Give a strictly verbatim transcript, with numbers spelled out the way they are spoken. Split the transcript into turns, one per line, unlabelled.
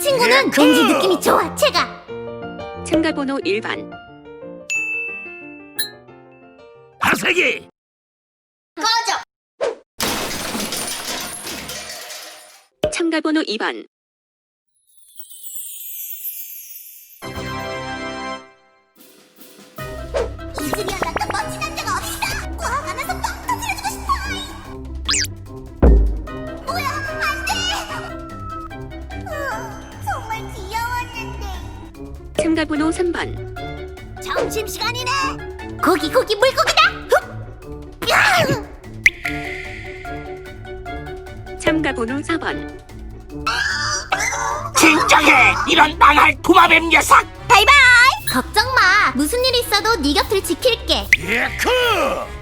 친구는
예크!
왠지 느낌이 좋아. 제가
참가 번호 일 번.
하세기.
꺼져.
참가 번호 이 번.
이즈리언 같은 멋진 남자가 어딨어? 꽉 안아서 뻥 터뜨려주고 싶어. 뭐야, 안 돼. 으, 정말 귀여웠는데.
참가 번호 삼 번.
점심시간이네. 고기 고기 물고기다. 흡! 야!
참가 번호 사 번.
진정해, 이런 망할 도마뱀 녀석.
바이바이. 걱정 마. 무슨 일 있어도 네 곁을 지킬게.
예크.